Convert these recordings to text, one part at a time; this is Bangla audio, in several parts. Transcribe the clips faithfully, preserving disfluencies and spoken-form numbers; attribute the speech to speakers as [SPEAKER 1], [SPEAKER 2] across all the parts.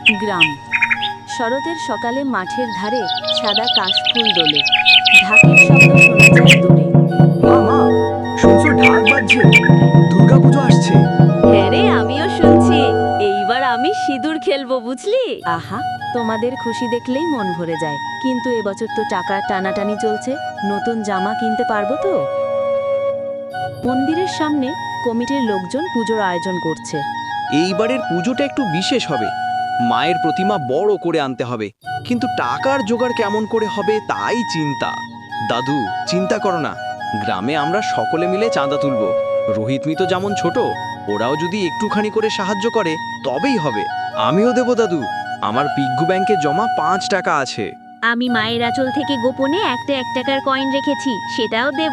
[SPEAKER 1] গ্রাম। শরতের সকালে মাঠের ধারে সাদা কাশফুল দোলে, ঢাকের শব্দ শোনা যায় দূরে।
[SPEAKER 2] মা মা শুনছো ঢাক বাজছে, দুর্গাপুজো আসছে।
[SPEAKER 1] হ্যাঁ রে, আমিও শুনছি। এইবার আমি সিঁদুর খেলবো, বুঝলি? আহা, তোমাদের খুশি দেখলেই মন ভরে যায়। কিন্তু এবছর তো টাকা টানাটানি চলছে, নতুন জামা কিনতে পারবো তো? মন্দিরের সামনে কমিটির লোকজন পুজোর আয়োজন করছে।
[SPEAKER 3] এইবারের পুজোটা একটু বিশেষ হবে। মায়ের প্রতিমা বড় করে আনতে হবে, কিন্তু টাকার জোগাড় কেমন করে হবে তাই চিন্তা। দাদু, চিন্তা করো না, গ্রামে আমরা সকলে মিলে চাঁদা তুলব। রোহিত মিতো যেমন ছোট, ওরাও যদি একটুখানি করে সাহায্য করে তবেই হবে। আমিও দেব দাদু, আমার পিগ্গু ব্যাংকে জমা পাঁচ টাকা আছে।
[SPEAKER 4] আমি মায়ের আঁচল থেকে গোপনে একটা এক টাকার কয়েন রেখেছি, সেটাও দেব।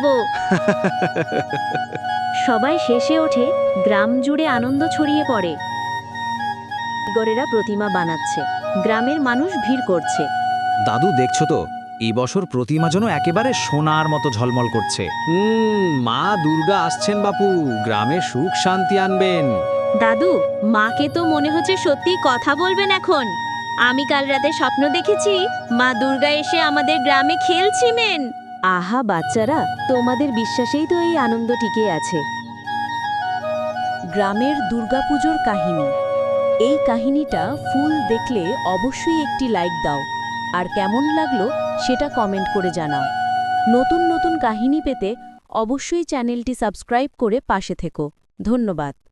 [SPEAKER 4] সবাই শেষে ওঠে, গ্রাম জুড়ে আনন্দ ছড়িয়ে পড়ে।
[SPEAKER 1] কারিগরেরা প্রতিমা বানাচ্ছে, গ্রামের মানুষ ভিড় করছে।
[SPEAKER 5] দাদু, দেখছো তো এই বছর প্রতিমা যেন একেবারে সোনার মতো ঝলমল করছে। হুম, মা দুর্গা আসছেন বাপু, গ্রামে সুখ শান্তি আনবেন।
[SPEAKER 4] দাদু, মাকে তো মনে হচ্ছে সত্যি কথা বলবেন এখন। আমি কাল রাতে স্বপ্ন দেখেছি মা দুর্গা এসে আমাদের গ্রামে খেলছিলেন।
[SPEAKER 1] আহা বাচ্চারা, তোমাদের বিশ্বাসেই তো এই আনন্দ টিকে আছে। গ্রামের দুর্গাপুজোর কাহিনী। এই কাহিনীটা ফুল দেখলে অবশ্যই একটি লাইক দাও, আর কেমন লাগলো সেটা কমেন্ট করে জানাও। নতুন নতুন কাহিনী পেতে অবশ্যই চ্যানেলটি সাবস্ক্রাইব করে পাশে থেকো। ধন্যবাদ।